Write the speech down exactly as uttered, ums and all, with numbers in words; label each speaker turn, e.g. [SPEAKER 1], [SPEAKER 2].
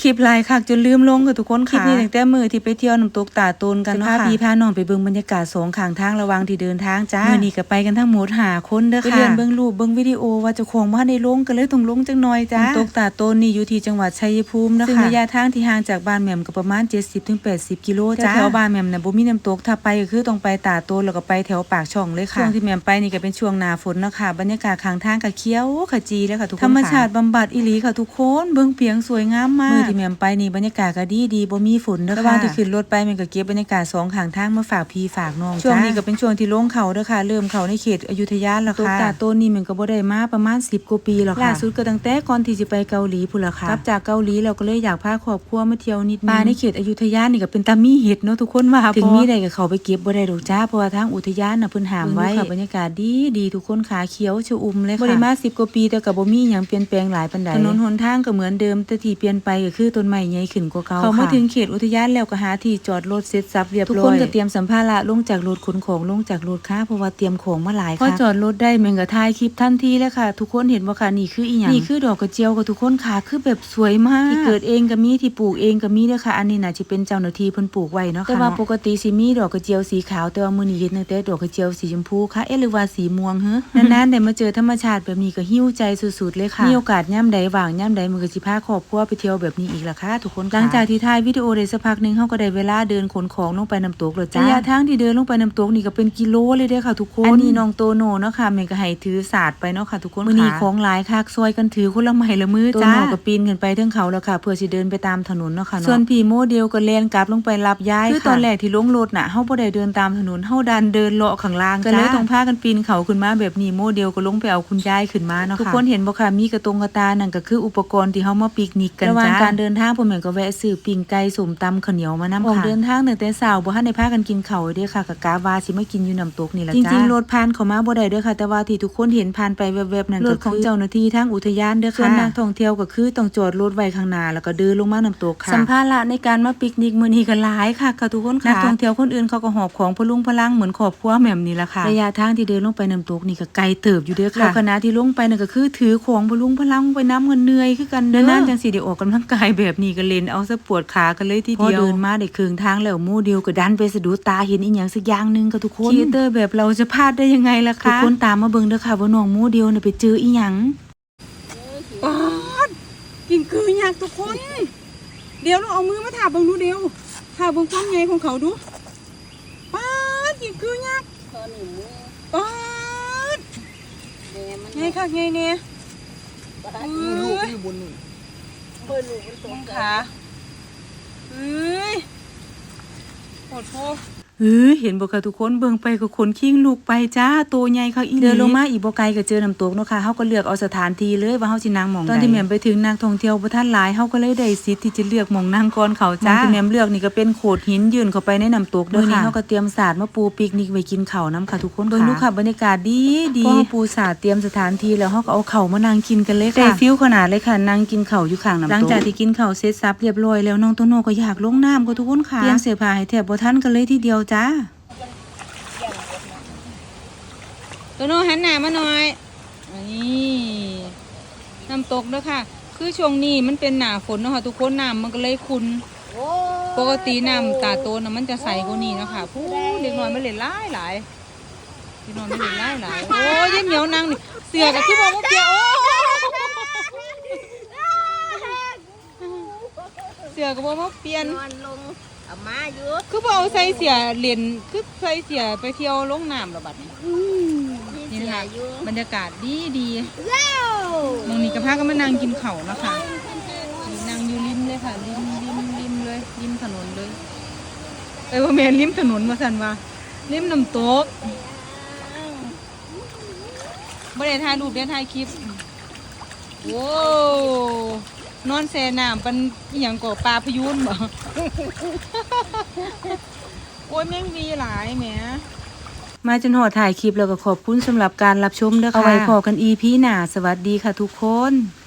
[SPEAKER 1] คลิปหลายคักจนลืมลงค่ะทุกคนค่ะคลิปนี้ตั้งแต่มื้อที่ไปเที่ยวน้ำตกตาโตนกันเนาะค่ะพาพี่พาน้องไปเบิ่งบรรยากาศสองข้างทางระหว่างที่เดินทางจ้ามื้อนี้ก็ไปกันทั้งหมดห้าคนเด้อค่ะไปเรียนเบิ่งรูปเบิ่งวิดีโอว่าเจ้าของบ่ทันได้ลงก็เลยต้องลงจังหน่อยจ้าน้ำตกตาโตนนี่อยู่ที่จังหวัดชัยภูมินะคะซึ่งระยะทางที่ห่างจากบ้านแหม่มก็ประมาณ เจ็ดสิบถึงแปดสิบ กิโลจ้าแถวบ้านแหม่มน่ะบ่มีน้ำตกถ้าไปก็คือต้องไปตาโตนแล้วก็ไปแถวปากช่องเลยค่ะช่วงที่แหม่มไปนี่ก็เป็นช่วงหน้าฝนเนาะค่ะบรรยากาศข้างทางก็เขียวขจีเลยค่ะทุกคนธรรมชาติบำบัดอีหลีค่ะทุกคนเบิ่งเปียงสวยงามมากมื้อที่แหม่มไปนี่บรรยากาศก็ดีดีบ่มีฝนเด้อค่ะระหว่างที่ขึ้นรถไปมันก็เก็บบรรยากาศสองข้างทางมาฝากพี่ฝากน้องจ้าช่วงนี้ก็เป็นช่วงที่ลงเขาเด้อค่ะเริ่มเข้าในเขตอยุธยาแล้วค่ะตาโตนนี่มันก็บ่ได้มาประมาณสิบกว่าปีแล้วค่ะล่าสุดก็ตั้งแต่ก่อนที่สิไปเกาหลีพุ่นล่ะค่ะกลับจากเกาหลีเราก็เลยอยากพาครอบครัวมาเที่ยวนิดนึงป่าในเขตอยุธยานี่ก็เป็นตามีเห็ดเนาะทุกคนว่าถึงมีได้ก็เข้าไปเก็บบ่ได้ดอกจ้าเพราะว่าทางอุทยานน่ะเพิ่นห้ามไว้ค่ะบรรยากาศดีดีทุกคนขาเขียวชอุ่มเลยค่ะบ่ได้มาสิบกว่าปีแต่ก็บ่มีหยังเปลี่ยนแปลงหลายปานใดถนนหนทางก็เหมือนเดิมแต่ที่เปลี่ยนไปก็คือต้นไม้ใหญ่ขึ้นกว่าเก่าค่ะเข้ามาถึงเขตอุทยานแล้วก็หาที่จอดรถเสร็จสับเรียบร้อยทุกคนก็เตรียมสัมภาระลงจากรถขนของลงจากรถค่ะเพราะว่าเตรียมของมาหลายค่ะพอจอดรถได้แม่งก็ถ่ายคลิปทันทีเลยค่ะทุกคนเห็นบ่ค่ะนี่คืออีหยังนี่คือดอกกระเจียวกับทุกคนค่ะคือแบบสวยมากที่เกิดเองก็มีที่ปลูกเองก็มีเด้อค่ะอันนี้น่ะสิเป็นเจ้าหน้าที่เพิ่นปลูกไว้เนาะค่ะแต่ว่าปกติสิมีดอกกระเจียวสีขาวแต่ว่ามื้อนี้เห็นตั้งแต่ดอกกระเจียวสีชมพูค่ะเอ๊ะหรือว่าสีม่วงเฮ้อนานๆได้มาเจอธรรมชาติแบบนี้ก็หิ้วใจสุดๆเลยค่ะมีโอกาสย่ำใดว่างย่ำใดมื้อก็สิพาครอบครัวไปเที่ยวแบบนี้อีกล่ะค่ะทุกคนหลังจากที่ถ่ายวิดีโอได้สักพักนึงเฮาก็ได้เวลาเดินขนของลงไปน้ำตกแล้วจ้าระยะทางที่เดินลงไปน้ำตกนี่ก็เป็นกิโลเลยเด้อค่ะทุกคนอันนี้น้องโตโน่เนาะค่ะแม่ก็ให้ถือศาสตร์ไปเนาะค่ะทุกคนมื้อนี้ของหลายคักซอยกันถือคนละไม้ละมือจ้าโตโน่ก็ปีนขึ้นไปเทิงเขาแล้วค่ะเพื่อสิเดินไปตามถนนเนาะค่ะส่วนพี่โมเดลก็แล่นกลับลงไปรับยายคือตอนแรกที่ลงรถน่ะเฮาบ่ได้เดินตามถนนเฮาดันเดินเลาะข้างล่างก็เลยต้องพากันปีนเขาขึ้นมาแบบนี้โมเดลก็ลงไปเอาคุณยายขึ้นมาเนาะค่ะทุกคนเห็นบ่ค่ะมีกระตงกระตานั่นก็คืออุปกรณ์ที่เฮามาปิกนิกกันจ้าระหว่างการเดินทางพ่อแม่ก็แวะซื้อปิ้งไก่สมตำข้าวเหนียวมานำค่ะเดินทางตั้งแต่เช้าบ่ทันได้พากันกินข้าวเด้อค่ะก็กะว่าสิมากินอยู่น้ำตกนี่ล่ะจ้าจริงๆรถผ่านเข้ามาบ่ได้เด้อค่ะแต่ว่าที่ทุกคนเห็นผ่านไปแวบๆนั่นก็คือรถของเจ้าหน้าที่ทางอุทยานเด้อค่ะส่วนนักท่องเที่ยวก็คือต้องจอดรถไว้ข้างหน้าแล้วก็เดินลงมาน้ำตกค่ะสัมภาระในการมาปิกนิกมื้อนี้ก็หลายค่ะค่ะทุกคนค่ะนักท่องเที่ยวคนอื่นเขาก็หอบของพลุงพลังเหมือนครอบครัวแหม่มนี่ล่ะค่ะระยะทางที่เดินลงไปน้ำตกนี่ก็ไกลเติบอยู่เด้อค่ะแล้วคณะที่ลงไปนั่นก็คือถือของพลุงพลังไปน้ำเงินเหนื่อยคือกันเด้อนานจังสิได้ออกกำลังกายแบบนี้ก็เล่นเอาซะปวดขากันเลยทีเดียวพอเดินมาได้ครึ่งทางแล้วหมู่เดียวก็ดันไปสะดุดตาเห็นอีหยังสักอย่างนึงค่ะทุกคนคีเตอร์แบบเราจะพลาดได้ยังไงล่ะคะทุกคนตามมาเบิ่งเด้อค่ะว่าน้องหมู่เดียวน่ะไปเจออีหยังป๊าดกินคือหยังทุกคนเดี๋ยวเราเอามือมาถาเบิ่งดูเดียวถาเบิ่งความใหญ่ของเขาดูป๊าดกินคือหยังป๊าดไงค่ะไงเนี่ยมีลูกอยู่บนนู่นเบิ่งลูกมันตรงขาเอ้ยโหดโผเออเห็นบ่ค่ะทุกคนเบิ่งไปก็ขนขิงลูกไปจ้าโตใหญ่ค่ะอีเดินลงมาอีกบ่ไกลก็เจอน้ำตกเนาะค่ะเฮาก็เลือกเอาสถานที่เลยว่าเฮาสินั่งหม่องใดตอนที่แม่มไปถึงนักท่องเที่ยวบ่ทันหลายเฮาก็เลยได้สิทธิ์ที่จะเลือกหม่องนั่งก่อนเขาจ้าที่แม่มเลือกนี่ก็เป็นโขดหินยื่นเข้าไปในน้ำตกเด้อค่ะเฮาก็เตรียมสาดมาปูปิกนิกไว้กินข้าวนํค่ะทุกคนเบิ่งดูค่ะบรรยากาศดีดีพอปูสาดเตรียมสถานที่แล้วเฮาก็เอาข้าวมานั่งกินกันเลยค่ะได้ฟิลขนาดเลยค่ะนั่งกินข้าวอยู่ข้างน้ำตกหลังจากที่กินข้าวเสร็จสับเรียบร้อยแล้วน้องโตโน่ก็อยากลงน้ำค่ะทุกคนค่ะเตรียมเสื้อผ้าให้แทบบ่ทันกันเลยทีเดียวจ้าโตโน่หันหน้ามาหน่อยนี่น้ำตกด้วยค่ะคือช่วงนี้มันเป็นหน้าฝนเนาะค่ะทุกคนน้ำมันก็เลยขุ่นปกติน้ำตาโตนมันจะใสกว่านี้เนาะค่ะผู้เด็กน้อยไม่เล่นหลายหลายเด็กน้อยไม่เล่นหลายหลายโอ้ยยิ้มเหนียวนั่งนี่เสือกับที่บอกว่าเปียเสือกับบอกว่าเปลี่ยนเอามาอยู่คือบอกเอาใส่เสียเหรียญคือใส่เสียไปเที่ยวลงน้ำหรอบัดนี้นี่ค่ะบรรยากาศดีดีมองนี่กับพาก็มานั่งกินเข่านะคะนั่งอยู่ริมเลยค่ะริมริมริมเลยริมถนนเลยเอ้ยว่าแม่ริมถนนมาสันว่าริมน้ำตกไม่ได้ถ่ายรูปได้ถ่ายคลิปโว้นอนแช่น้ำเป็นอย่างก่อปลาพยูนบ่โอ้ยแม่งมีหลายแหมมาจนหอถ่ายคลิปแล้วก็ขอบคุณสำหรับการรับชมเด้อค่ะเอาไว้พอกัน อี พี หน้าสวัสดีค่ะทุกคน